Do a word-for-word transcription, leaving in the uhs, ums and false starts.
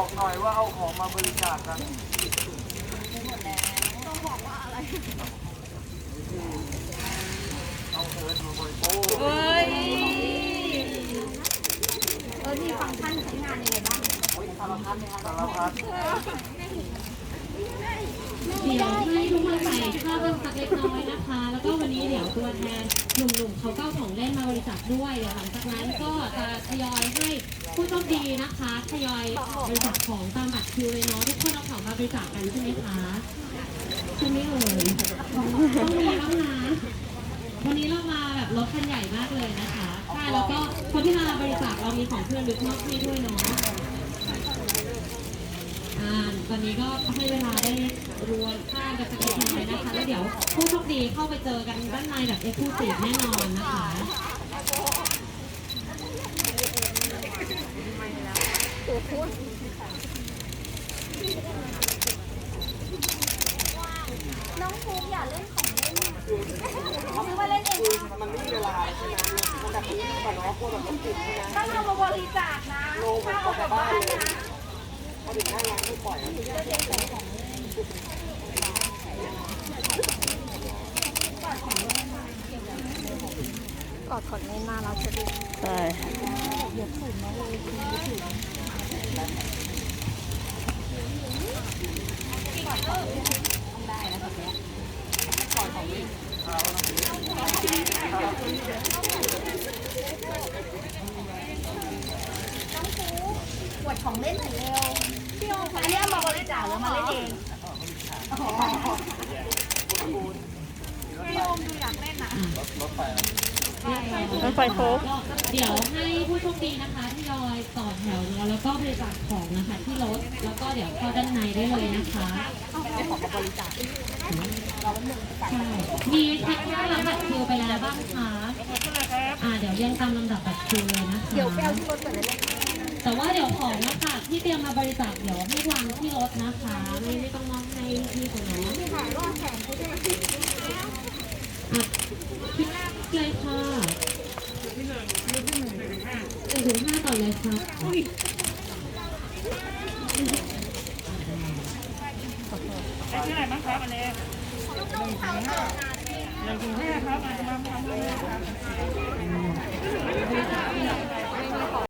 บอกหน่อยว่าเอาของมาบริจาคกันต้องบอกว่าอะไรเอาเอิร์ธมาบริจาคเฮ้ยเออมีฟังก์ชันใช้งานยังไงบ้างสารพัดเลยค่ะสารพัดเดี๋ยวให้ทุกคนใส่ข้าวเพิ่มสักเล็กน้อยนะคะ แล้วก็วันนี้เดี๋ยวตัวแทนหนุ่มๆเขาก็เอาของเล่นมาบริจาคด้วยเดี๋ยวหลังจากนั้นก็จะทยอยให้ผู้โชคดีนะคะทยอยบริจาคของตามบัตรคิวเลยเนาะทุกคนเอาของมาบริจาคกันใช่ไหมคะใช่ไหมเอ่ยต้องมีบ้างนะวันนี้เรามาแบบรถคันใหญ่มากเลยนะคะใช่แล้วก็คนที่มาบริจาคเรามีของเพื่อนลึกมากนี่ด้วยเนาะตอนนี้ก็ให้เวลาได้รวนข้ามกันสักนิดนึงนะคะแล้วเดี๋ยวผู้โชคดีเข้าไปเจอกันด้านในแบบเอ็กซ์คลูซีฟแน่นอนนะคะน้องภูมิอย่าเล่นของเล่นเขาซื้อมาเล่นเองมันไม่มีเวลาใช่ไหมมันแบบนี้ก่อนเนาะพวกแบบต้องติดใช่ไหมต้องเอามาบริจาคนะถ้าเอากลับบ้านนะพอถึงหน้าร้านไม่ปล่อยกอดขอนเล่นมาเราจะดีใช่เดี๋ยวถึงนะเลยถึงถึงได้แล้วแบบนี้ปล่อยของเล่นปวดของเล่นหน่อยเร็วพี่โออันนี้เอามาบริจาคหรือมาเล่นเองพี่โอมดูอยากเล่นนะรถไฟรถไฟโค้งเดี๋ยวให้ผู้โชคดีนะคะที่ยอยต่อแถวแล้วแล้วก็บริจาคของนะคะที่รถแล้วก็เดี๋ยวเข้าด้านในได้เลยนะคะเอาของมาบริจาคใช่มีแท็กหน้ารับบัตรคิวไปแล้วบ้างคะอ่าเดี๋ยวเรียงตามลำดับบัตรคิวเลยนะคะเดี๋ยวไปเอาที่รถก่อนเลยแต่ว่าเดี๋ยวของนะคะที่เตรียมมาบริจาคเดี๋ยวให้วางที่รถนะคะไม่ไม่ต้องมองให้ที่คนน้องถ่ายรอดแข่งเขาด้วยอ่ะคิดเลยค่ะหนึ่งถึงห้าต่อเลยค่ะได้ชื่ออะไรบ้างครับอันนี้หนึ่งถึงห้าหนึ่งถึงห้าครับมาทำมาทำเลยครับ